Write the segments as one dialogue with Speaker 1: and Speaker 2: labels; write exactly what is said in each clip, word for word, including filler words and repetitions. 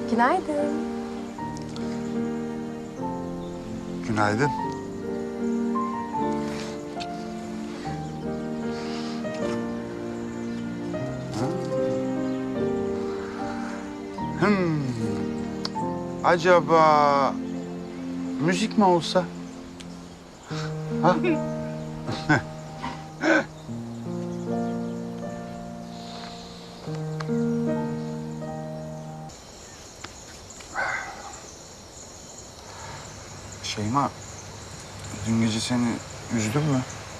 Speaker 1: Günaydın.
Speaker 2: Günaydın. Hmm. Acaba müzik mi olsa? Ha? Şeyma, dün gece seni üzdüm mü?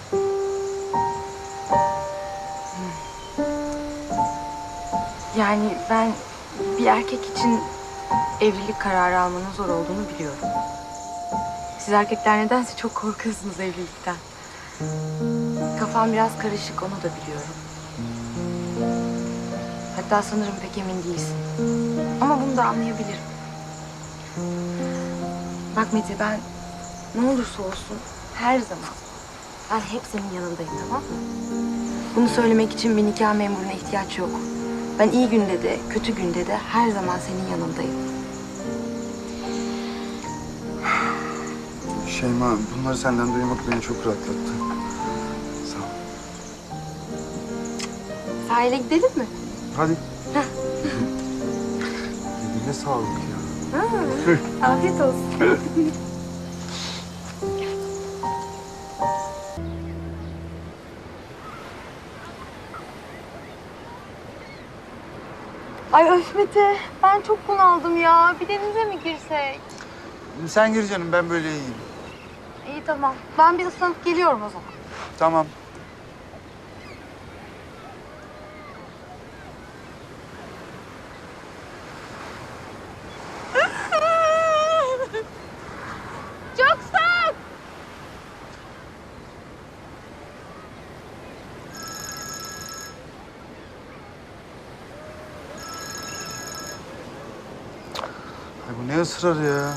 Speaker 1: Yani ben bir erkek için evlilik kararı almanın zor olduğunu biliyorum. Siz erkekler nedense çok korkuyorsunuz evlilikten. Kafam biraz karışık, onu da biliyorum. Hatta sanırım pek emin değilsin. Ama bunu da anlayabilirim. Bak Mete, ben ne olursa olsun her zaman, ben hep senin yanındayım, tamam mı? Bunu söylemek için bir nikah memuruna ihtiyaç yok. Ben iyi günde de, kötü günde de her zaman senin yanındayım.
Speaker 2: Şeyma, bunları senden duymak beni çok rahatlattı. Sağ ol.
Speaker 1: Sahile gidelim mi?
Speaker 2: Hadi. Eline sağlık ya.
Speaker 1: Ha, afiyet olsun. Ay öf Mete, ben çok bunaldım ya. Bir denize mi girsek?
Speaker 2: Sen gir canım, ben böyle iyiyim.
Speaker 1: İyi tamam. Ben bir ıslanıp geliyorum o zaman.
Speaker 2: Tamam.
Speaker 1: Çok soğuk.
Speaker 2: Ay bu ne ısrar ya?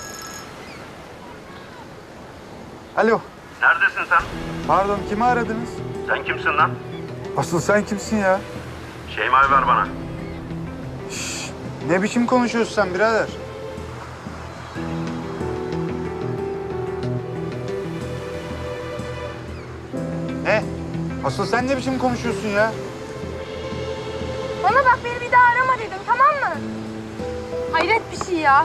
Speaker 2: Alo,
Speaker 3: Neredesin sen?
Speaker 2: pardon kimi aradınız?
Speaker 3: Sen kimsin lan?
Speaker 2: Asıl sen kimsin ya?
Speaker 3: Şeyma'yı ver bana.
Speaker 2: Şş, ne biçim konuşuyorsun sen birader? Ne? Asıl sen ne biçim konuşuyorsun ya?
Speaker 1: Bana bak, beni bir daha arama dedim, tamam mı? Hayret bir şey ya.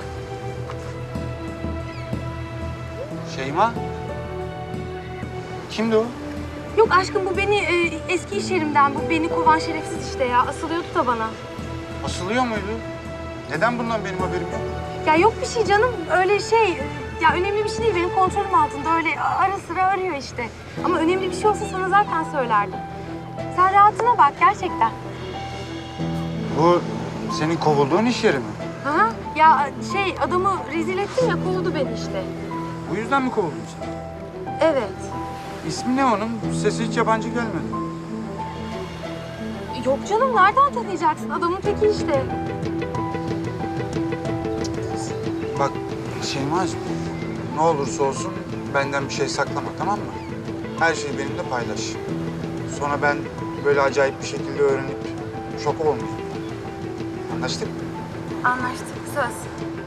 Speaker 2: Şeyma? Kimdi o?
Speaker 1: Yok aşkım, bu beni e, eski iş yerimden, bu beni kovan şerefsiz işte ya. Asılıyordu da bana.
Speaker 2: Asılıyor muydu? Neden bundan benim haberim yok?
Speaker 1: Ya yok bir şey canım, öyle şey. e, Ya önemli bir şey değil, benim kontrolüm altında. Öyle ara sıra arıyor işte. Ama önemli bir şey olsa sana zaten söylerdim. Sen rahatına bak gerçekten.
Speaker 2: Bu senin kovulduğun iş yeri mi?
Speaker 1: Aha. Ya şey, adamı rezil ettim ya, kovdu beni işte.
Speaker 2: Bu yüzden mi kovuldun sen?
Speaker 1: Evet.
Speaker 2: İsmi ne onun? Sesi hiç yabancı gelmedi.
Speaker 1: Yok canım, nereden tanıyacaksın? Adamın teki işte.
Speaker 2: Bak Şeyma'cığım, ne olursa olsun benden bir şey saklama, tamam mı? Her şeyi benimle paylaş. Sonra ben böyle acayip bir şekilde öğrenip şok olmayayım. Anlaştık mı?
Speaker 1: Anlaştık, söz.